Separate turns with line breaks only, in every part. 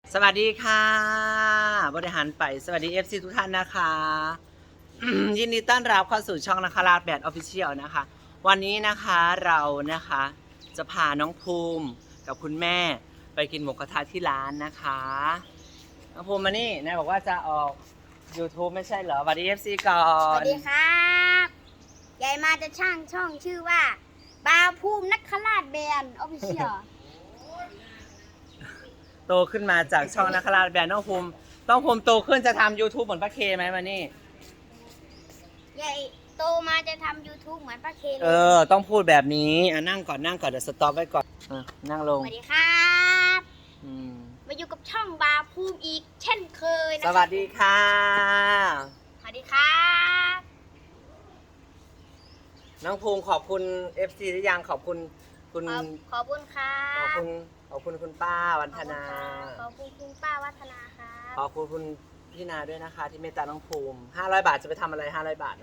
สวัสดีค่ะบริหารไปสวัสดี FC ทุกท่านนะคะ ยินดีต้อนรับเข้าสู่ช่องนะคะลาดแบดออฟฟิเชียลนะคะวันนี้นะคะเรานะคะจะพาน้องภูมิกับคุณแม่ไปกินหมูกระทะที่ร้านนะคะน้องภูมิมานี่นายบอกว่าจะออก YouTube ไม่ใช่เหรอสวัสดี FC ก่อ
สวัน สดีครับยายมาจะช่างช่องชื่อว่าบาวภูมินักขราชแบนออฟฟิเชียล
โตขึ้นมาจากช่องนักลาดแบดน้องภูมิโตขึ้นจะทำ YouTube เหมือนป้าเคไหมมานี่
ยายโตมาจะทำ YouTube เหมือนป้าเคเล
ต้องพูดแบบนี้นั่งก่อนเดี๋ยวสต็อปไว้ก่อนนั่งลง
สวัสดีครับ มาอยู่กับช่องบาวภูมิอีกเช่นเคยนะ
สวัสดีค่ะ
สวัสดีครับ
น้องภูมิขอบคุณ FC หรือยังขอบคุณคุณ
ขอบคุณครับ
ขอบคุณคุณป้าวันธนา
ขอบคุณคุณป้าวัฒนาครับ
ขอบคุณคุณพี่นาด้วยนะคะ ที่เมตตาน้องภูมิ500 บาทจะไปทำอะไร500 บาท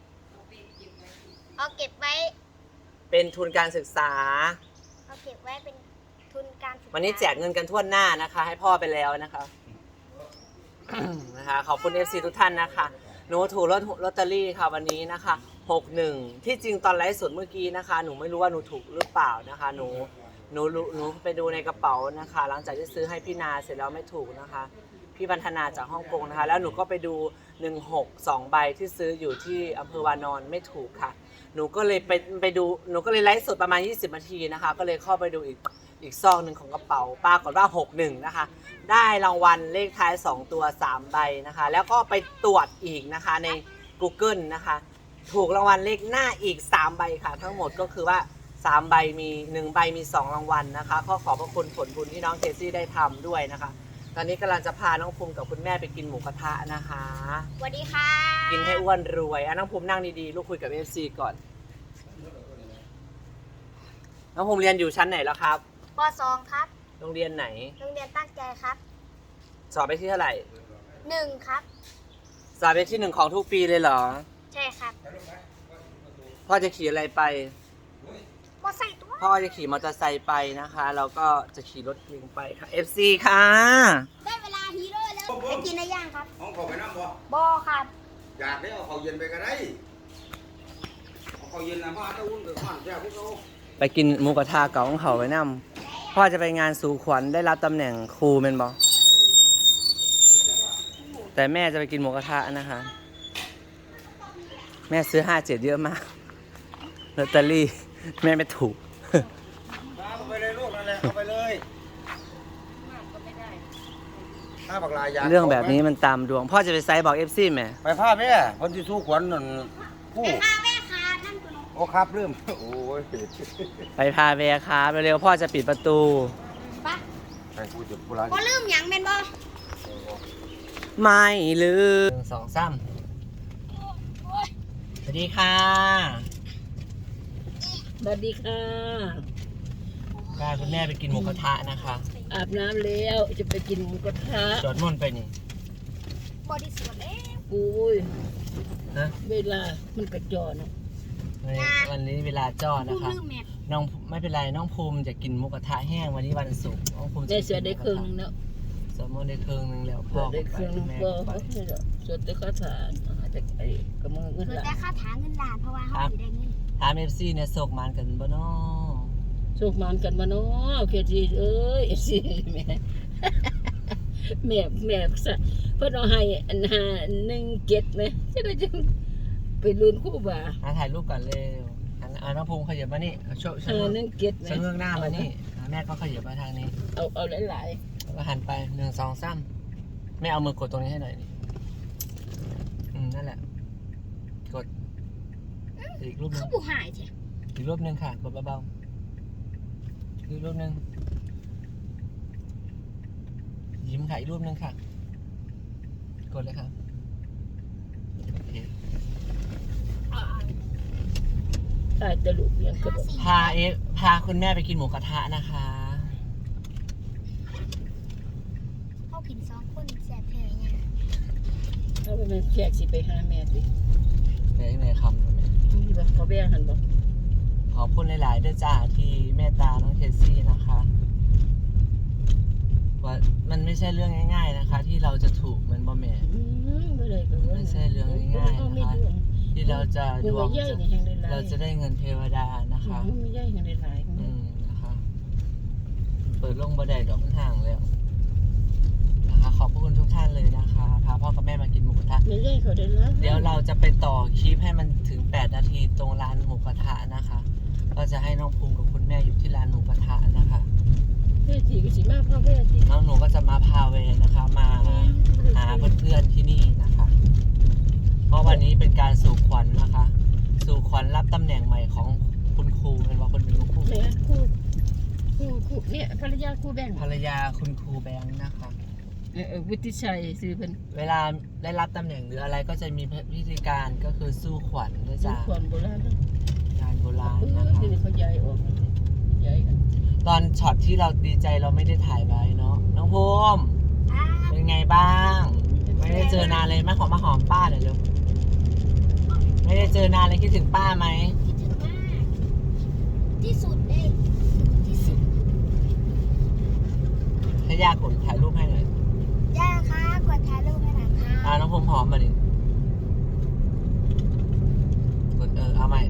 เอาเก็บไว้
เป็นทุนการศึกษา
เอาเก็บไว้เป็นทุนการศึกษา
วันนี้แจกเงินกันทั่วหน้านะคะ ให้พ่อไปแล้วนะคะ นะคะขอบคุณ FC ทุกท่านนะคะหนูถูกลอตเตอรี่ค่ะวันนี้นะคะ61ที่จริงตอนไลฟ์สดเมื่อกี้นะคะหนูไม่รู้ว่าหนูถูกหรือเปล่านะคะหนูไปดูในกระเป๋านะคะ หลังจากที่ซื้อให้พี่นาเสร็จแล้วไม่ถูกนะคะพี่บรรณนาจากฮ่องกงนะคะแล้วหนูก็ไปดู16 2ใบที่ซื้ออยู่ที่อำเภอวานอนไม่ถูกค่ะหนูก็เลยไปดูหนูก็เลยไลฟ์สดประมาณ20 นาทีนะคะก็เลยเข้าไปดูอีกซองหนึ่งของกระเป๋าปรากฏว่า61นะคะได้รางวัลเลขท้าย2ตัว3ใบนะคะแล้วก็ไปตรวจอีกนะคะใน Google นะคะถูกรางวัลเลขหน้าอีก3ใบค่ะทั้งหมดก็คือว่า3ใบมี1ใบมี2รางวัลนะคะขอพระคุณผลบุญที่น้องเคซี่ได้ทำด้วยนะคะตอนนี้กำลังจะพาน้องภูมิกับคุณแม่ไปกินหมูกระทะนะคะ
สวัสดีครับ
กินให้อ้วนรวยน้องภูมินั่งดีๆลูกคุยกับ FC ก่อนน้องภูมิเรียนอยู่ชั้นไหนแล้วครับ
ป .2 ครับ
โรงเรียนไหน
โรงเรียนตั้งใจครับ
สอบไปที่เท่าไหร่
1 ครับ
สอบไปที่1ของทุกปีเลยเหรอ
ใช่ครับ
พ่อจะขี่อะไรไป
มอไซค์ตัว
พ่อจะขี่มอเตอร์ไซค์ไปนะคะแล้วก็จะขี่รถเองไปค่ะ FC ค่ะ
ได้เวลาฮีโร่แล้วไปกินอะไรย่างครับ
ห้องเขาไปน้ำบ่
บอครับ
อยากได้เอาเขาเย็นไปก็ได้เอาเขาเย็นนะมาถ้าอุ่นเดือดร้อนแซ่บพวกเขา
ไปกินหมูกระทะเก่าของเขาไว้นำพ่อจะไปงานสู่ขวัญได้รับตำแหน่งครูเป็นบอแต่แม่จะไปกินหมูกระทะนะคะ แม่ซื้อ57เยอะมากลอตเตอรี่แม่ไม่ถูก
เอาไปเลยลูกนั่นแหละเอาไปเลยถ้าบักลายยา
เรื่องแบบนี้มันตามดวง พ่อจะไปไซส์บอก FC แม่
ไปผ้าแม่คนที่สู้ขวัญนั่นผู้
ไปพาแม่ค้านั่นตัวน้อง
โอ้ครับเริ่มโอ้ย
ไปพาแวร์ครับเร็วๆพ่อจะปิดประตู
ปะ
ไปพูดจุดโบราณ
บอลืมหยังเป็นบอ
ไม่ลืม1 2 3สวัสดีค่ะ
สวัสดีค่ะ
พาคุณแม่ไปกินหมูกระทะนะคะ
อาบน้ำแล้วจะไปกินหมูกระทะ
จอดมนต์ไปนี่
บอดี้สวนแล้ว
อุ้ย
นะ
เวลามันกระจอเนาะ
วันนี้เวลาจ้อ
พู
นะ
ด
คะ
ลืมแมท
น้องไม่เป็นไรน้องภูมิจะกินหมูกระทะแห้งวันนี้วันศุกร์น้องภูมิจะ
ได้เสือได้เครื่องนึงเนาะ
สมมติได้เครื่องนึงแล้วพ่
เสื
อ
อได้เครื่องนึง
แม่
ก็
ไป
เสือได้ข้าวสารอาจจะไอ้กระมือเงิน
เพื่อ
หลา
แต่
น
ค่าถาเงินล้านเพราะว่าเขาสิได้เงิน
ถาม FC เนี่ยโศกมันกันบ่น้อ
โชคมันกันมาเนาะเคทีเอ้ยสิแม่แม่ซะเพิ่นเอาให้อัน517ไหมจะได้จังไปลุ้นคู่บ่า
ถ่ายรูปก่อนเร็วน้องภูมิขยับมานี่โชว์ชะเง้อ
517ไหม
ชะเง้อหน้ามานี่แม่ก็ขยับมาทางนี้
เอาหลาย
แล้วก็หันไป1 2 3แม่เอามือกดตรงนี้ให้หน่อยนี่นั่นแหละกดอีกรูปนึง
เขาบุหายใช่
อีกรูปนึงค่ะกดเบาๆอีกรูปนึงยิ้มค่ะอีกรูปนึงค่ะกดเลยครับโอเค
ๆตายตะลุกยังกระโดด
พาคุณแม่ไปกินหมูกระทะนะคะ
เขากิน2 คนแสบแผลเนี่ย
เอาไปแม่แขกสิไปหาแม่ดิ
ในคำ
นี่บ่เขาแบ่งหันบ่
ขอบคุณหลายๆด้วยจ้าที่เมตตาน้องเคซี่นะคะผว่ามันไม่ใช่เรื่องง่ายๆนะคะ ที่เราจะถูกมันบ่แม่
บ่ได้ก็
ไม่ใช่เรื่องง่ายๆนะคะ ที่เราจะดวงเราจะได้เงินเทวดานะคะ
ไม่ใหญ่ยังได้หลาย
นะคะเปิดลงบ่ได้ดอกมันห่างแล้วนะคะขอบพระคุณทุกท่านเลยนะคะพาพ่อกับแม่มากินหมูกระทะ
ไม่ใหญ่เขาได้แล้ว
เดี๋ยวเราจะไปต่อคลิปให้มันถึง8 นาทีตรงร้านหมูกระทะนะคะ ก็จะให้น้องภูมิกับคุณแม่อยู่ที่ร้านหมูกระทะนะคะ
แม่จีก็สิมาพ่อแม่จี
น้องหนูก็จะมาพาเวนะคะ มาหาเพื่อนๆที่นี่นะคะ เพราะวันนี้เป็นการสู่ขวัญนะคะ สู่ขวัญรับตำแหน่งใหม่ของคุณครูเป็นว่าคนเป็นครู
แม่คู่เนี่ยภรรยาคู่แบ่ง
ภรรยาคุณครูแบงค์นะคะ
วุฒิชัยซื้อเป็น
เวลาได้รับตำแหน่งหรืออะไรก็จะมีพิธีการก็คือสู้ขวัญด้วยจ้า
ความโบราณ
งานโบราณ
นะ
นะคะ
ที่เขาย้ายออกย้ายกัน
ตอนช็อตที่เราดีใจเราไม่ได้ถ่ายไว้เนาะน้องภูมิ
ครับ
เป็นไงบ้าง ไม่ได้เจอนานเลยมาหอมป้าหน่อยเร็วไม่ได้เจอนานเลยคิดถึงป้าไหม
คิดถึงมากที่สุดเลยที่สุด
ให้ยากดถ่ายรูปให้หน่อย
ย่าคะกดถ่ายรูปให้หน่อยค่ะ
น้องภูมิหอมมาดิกดเอาใหม่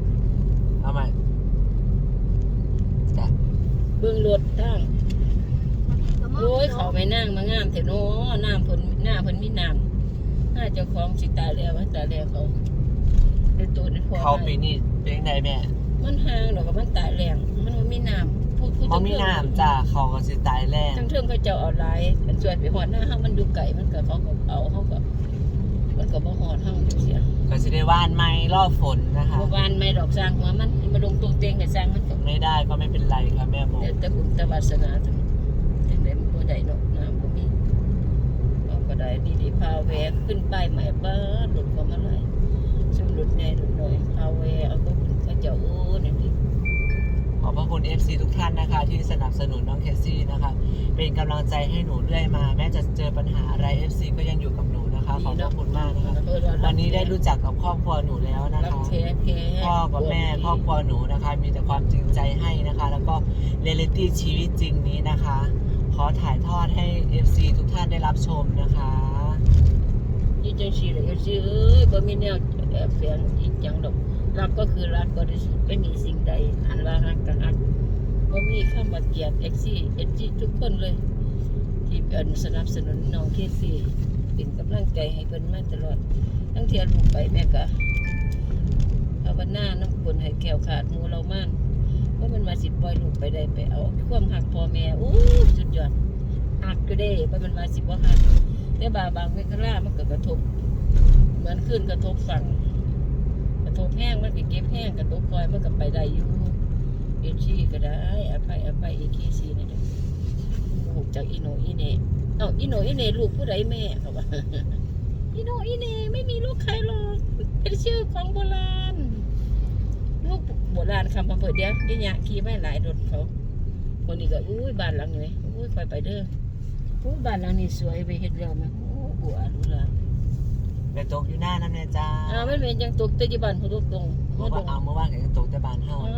จ้ะ
เบื้องรถตั้งโอ้ยเขาไม่นั่งมางามแต่โน้น้ำเพิ่นหน้าเพิ่นมีน้ำน่าเจ้าของสิตายแล้วตายแล้วเขาเดี๋ยวตัวนี้พอ
เขาปีนี้เป็นยังไงแม่
มันห่างดอกกับมันตายแรงมันบ่มีน้ำพูด
เขามีน้ำจ้าเขาก็สิตายแรง
ทั้งเทิงเขาเจ้าเอาหลายอันช่วยไปหอดหน้าเฮามันดูไก่มันก็เขาก็เอาเขาก็มันก็บ่หอดเฮาเสีย
ก็สิได้ว่านไม้รอบฝนนะคะ
บ่วานไม่ดอกสร้างหัวมันมาลงตรงเตียงให้สร้างมันก็
ไม่ได้ก็ไม่เป็นไรค่ะแม่โม
แต่บุญแต่วาสนาจังได๋มันบ่ได้เนาะน้ำบ่มีเอาก็ได้ดีๆพาแวะขึ้นป้ายใหม่บ้านรถก็มาหลายซึ่งรถใหญ่รถน้อยพาแวะเอาก็คุณเขาเจ้าโอ้นี่ดิ
ขอบพระคุณ FC ทุกท่านนะคะ ที่สนับสนุนน้องเคซี่นะคะ เป็นกำลังใจให้หนูเรื่อยมา แม้จะเจอปัญหาอะไร FC ก็ยังอยู่กับหนูนะคะ ขอบพระคุณมากนะคะ วันนี้ได้รู้จักกับครอบครัวหนูแล้วนะ
รัก
คะ
แท้แท้
พ่อกับแม่ครอบครัวหนูนะคะ มีแต่ความจริงใจให้นะคะ แล้วก็เรียลลิตี้ชีวิตจริงนี้นะคะ ขอถ่ายทอดให้ FC ทุกท่านได้รับชมนะคะ
ยี่จังซี่เลยสิเอ้ยบ่มีแนวแอบแฝงจริงจังดอกรักก็คือรักบริสุทธิ์ไม่มีสิ่งใดอันว่ารักก็รักบ่มีคำว่าเกลียดเอ็กซี่ทุกคนเลย ที่เป็นสนับสนุนน้องเคซี่เป็นกำลังใจให้เพิ่นมาตลอดทั้งเที่ยลูกไปแม่ก็ภาวนาน้ำคนให้แก้วขาดหมู่เรามั่นเพราะมันมาสิปล่อยลูกไปได้ไปเอาความหักพ่อแม่อู้สุดยอดหักก็ได้เพราะมันมาสิบ่หักแต่บางเวลามันก็กระทบเหมือนขึ้นกระทบฝั่งกระทบแห้งมันก็เก็บแห้งกระทบคอยมันก็ไปได้อยู่เอชี่ก็ได้อภัยเอคีซีนี่เด้อลูกจากอีโนอีเน่อีโนอีเน่ลูกผู้ใดแม่เขาว่า อีโนอีเน่ไม่มีลูกใครหรอกเป็นชื่อของโบราณลูกโบราณคำมาเปิดเดียวยี่ยะขี่ไม่หลายรถเขาคนนี้ก็อุ้ยบ้านหลังนี้อุ้ยคอยไปเด้ออุ้ยบ้านหลังนี้สวยไปเฮ็ดแล้วมั้ยโอ้บัวดูละ
ไปตกอยู่หน้าน้ำเนี่ยจ้า
ไม่เป็นยังตกแต่ยี่บ้านเขาตกตรง
เมื่อวานก็ยังตกแต่บานเฮา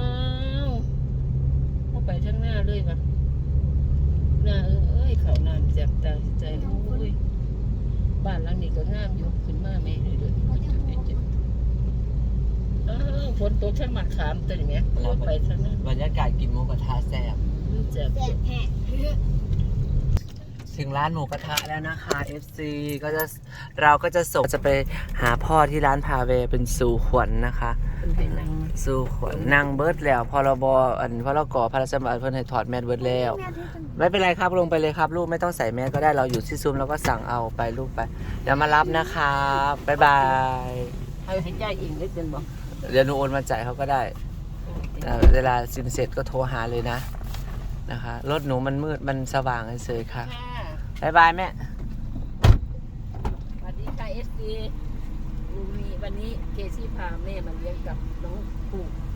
เข้าไปทั้งหน้าเลยว่ะหน้าเอ้ยเขาน้ำแจ็บตาใจโอ้ยบ้านหลังนี้ก็งามอยู่ขึ้นมาไม่เลยเลยฝนตกทั้งหมัดขามตัวนี้เข้าไปทั้งนั้น
บรรยากาศกินหมูกระทะแซ่บ
เจ็บ
แสบแหก
ถึงร้านหมูกระทะแล้วนะคะ FC เราก็จะส่งจะไปหาพ่อที่ร้านพาเวเป็นสู่ขวัญนะคะ
เป็นให้นั่ง
สู่ขวัญนั่งเบิร์ดแล้วพรบพรกพระราชบัญญัติเพิ่นให้ถอดแมสเบิร์ดแล้ว ไม่เป็นไรครับลงไปเลยครับลูกไม่ต้องใส่แมสก็ได้เราอยู่ที่ซุ้มเราก็สั่งเอาไปลูกไปเดี๋ยวมารับนะครับบ๊ายบาย
ให้ใจอิงได้เป็นบ่
เดี๋ยวหนูโอนมาจ่ายเขาก็ได้เวลาสินเสร็จก็โทรหาเลยนะคะรถหนูมันมืดมันสว่างเฉยๆค่ะบ๊ายบายแม่
สวัสดีค่ะเอสซีวันนี้เคซี่พาแม่มาเลี้ยงกับน้องปู่